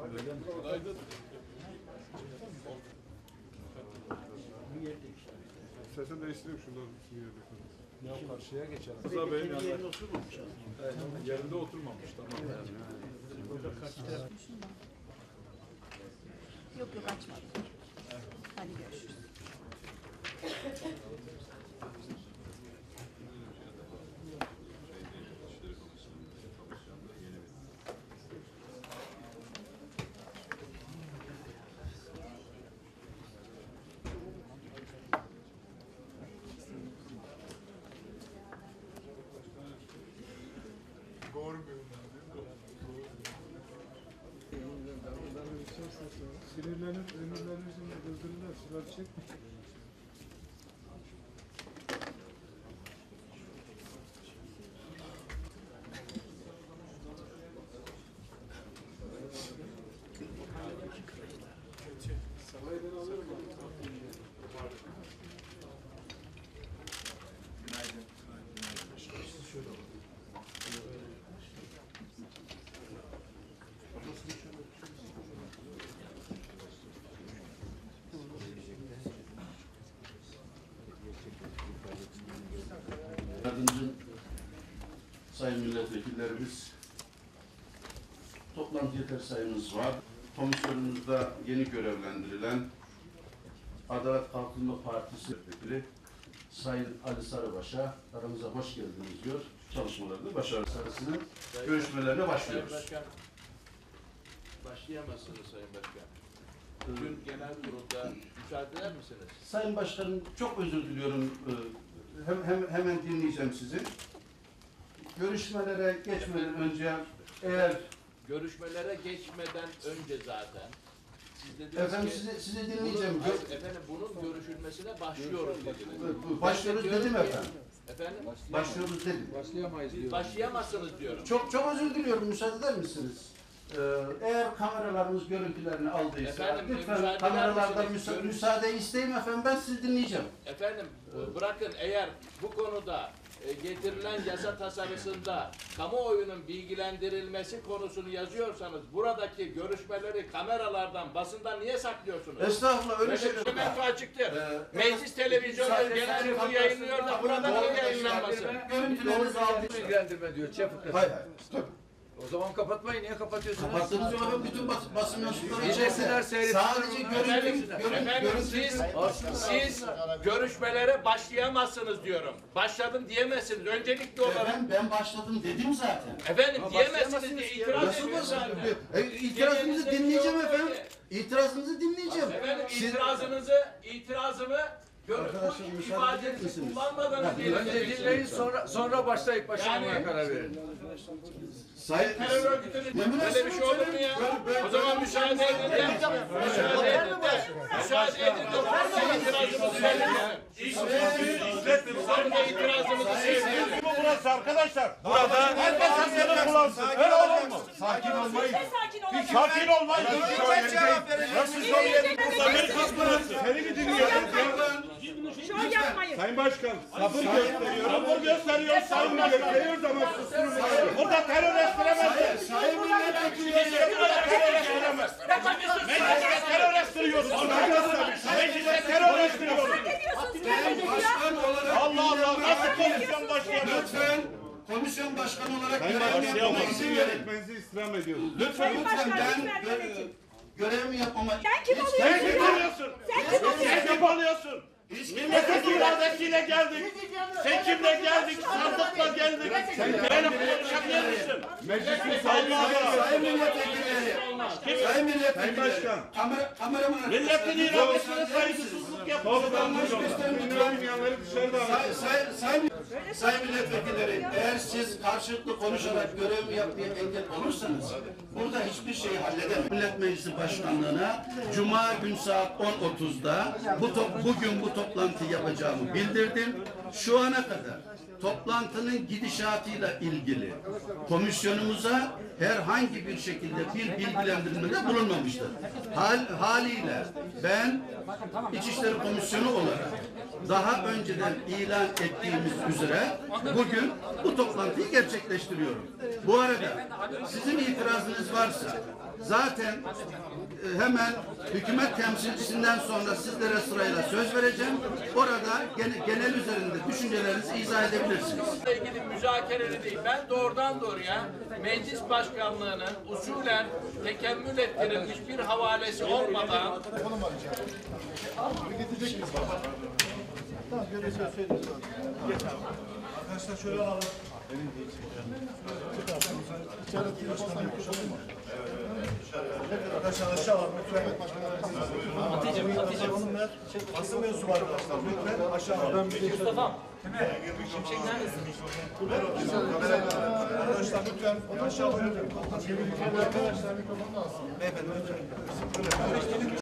Günaydın. İstersen değiştireyim şundan bir yerde. Ya karşıya geçelim. Rıza Bey'in yanında. Yerine oturmamış abi. Yerinde oturmamış, tamam. Burada kaç taraf? Yok yok açmadım. Hadi görüşürüz. Sinirlenip ömürlerimizin kızdırırlar, sular çekmiş. Salaydan alırım abi. Yardımcı sayın milletvekillerimiz, toplantı yeter sayımız var. Komisyonumuzda yeni görevlendirilen Adalet Kalkınma Partisi milletvekili Sayın Ali Sarıbaş'a aramıza hoş geldiniz diyor. Çalışmalarında başarılı sarısının görüşmelerine başlıyoruz. Sayın Başkan, başlayamazsınız Sayın Başkan. Dün genel kurulda müsaade eder misiniz? Sayın Başkanım, çok özür diliyorum. Hemen dinleyeceğim sizi. Görüşmelere geçmeden önce eğer... Görüşmelere geçmeden önce zaten siz dediniz Efendim ki, sizi dinleyeceğim. efendim bunun görüşülmesine başlıyoruz dediniz. Başlıyoruz dedim efendim. Efendim? Başlıyoruz dedim. Siz başlayamazsınız diyorum. Çok özür diliyorum. Müsaade eder misiniz? Eğer kameralarımız görüntülerini aldıysa Efendim, lütfen müsaade kameralardan eder misiniz? müsaade isteyeyim efendim. Ben sizi dinleyeceğim. Efendim bırakın, eğer bu konuda getirilen yasa tasarısında kamuoyunun bilgilendirilmesi konusunu yazıyorsanız buradaki görüşmeleri kameralardan, basından niye saklıyorsunuz? Estağfurullah, öyle Böyle şeyler bir menfa var. açıktır. Meclis televizyonu genel kurulu yayınlıyor da burada niye yayınlanmasın? Görüntülerinizi aldık. Bilgilendirme diyor. Çapık. Hayır. O zaman kapatmayın. Niye kapatıyorsunuz? Kapattığınız zaman bütün basın mensupları İzlesinler, içeride. seyretsinler. Sadece Efendim siz görüşmelere başlayamazsınız diyorum. Başladım diyemezsiniz. Öncelikli olarak. Efendim ben başladım dedim zaten. Efendim diyemezsiniz diye itiraz Nasıl ediyorsunuz basın? zaten. İtirazınızı dinleyeceğim efendim. İtirazınızı dinleyeceğim. Efendim itirazımı Arkadaşlar, bu müsaade eder ifadenizi misiniz? kullanmadan Önce dinleyin, sonra başlayıp başlamaya Yani- karar verin. Sayın terör örgütünün böyle bir şey olur mu ya? O zaman müsaade edin de. Müsaade edin de. Müsaade edin de. Sonra itirazımızı verelim. Sonra itirazımızı söyleyelim. Burası arkadaşlar. Burada herkes hakkını kullansın. Öyle olur mu? Sakin olmayın. Sakin olmayın. Sakin olmayın. Nasıl söyleyelim burada? Amerikan burası. Seni mi dinliyoruz? Şov yapmayın. Sayın Başkan, sabır gösteriyor. Sabır gösteriyor. Sabır gösteriyor ama susturun. Burada terör estiremezler. Sayın milletvekili. Burada terör estiremez. Mecliste terör estiriyorsun. Mecliste terör estiriyorsun. Ne diyorsunuz beyefendi ya? Başkan olarak Allah Allah, nasıl komisyon başkanı? lütfen komisyon başkanı olarak Sayın görevimi Başkan, yapmama sizin izin verin. yönetmenizi istirham ediyoruz. Lütfen Sayın Başkan, ben lütfen yönetin. görevimi yapmama... Sen kim Hiç- oluyorsun Sen kim ya? oluyorsun? Sen kim oluyorsun? Sen kim oluyorsun? Milletin iradesiyle geldik. Seçimle geldik. Sandıkla geldik. Benim konuşabilir misin? Meclisin sahibi Sayın milletvekilleri. Sayın milletvekilleri. Sayın Başkan. Kameraman. Milletin iradesine saygısızlık yapıyorsun. Olmayanları dışarıda alın. Sayın milletvekilleri, eğer siz karşılıklı konuşarak görevimi yapmaya engel olursanız burada hiçbir şeyi halledemem. Millet Meclisi Başkanlığı'na Cuma gün saat 10.30'da bugün bu toplantıyı yapacağımı bildirdim. Şu ana kadar toplantının gidişatıyla ilgili komisyonumuza herhangi bir şekilde bir bilgilendirmede bulunmamıştır. Haliyle ben İçişleri Komisyonu olarak daha önceden ilan ettiğimiz üzere bugün bu toplantıyı gerçekleştiriyorum. Bu arada sizin itirazınız varsa zaten hemen hükümet temsilcisinden sonra sizlere sırayla söz vereceğim. Orada genel üzerinde düşüncelerinizi izah edebilirsiniz. Bununla ilgili müzakereli değil. Ben doğrudan doğruya meclis başkanlığının usulen tekemmül ettirilmiş bir havalesi olmadan Arkadaşlar şöyle alalım. Arkadaşlar aşağı alalım lütfen. Hanımlar, basın mensubu arkadaşlar lütfen aşağı alalım. Mustafa. Şimşek neredesin? Arkadaşlar lütfen aşağı alalım. Beyefendi lütfen.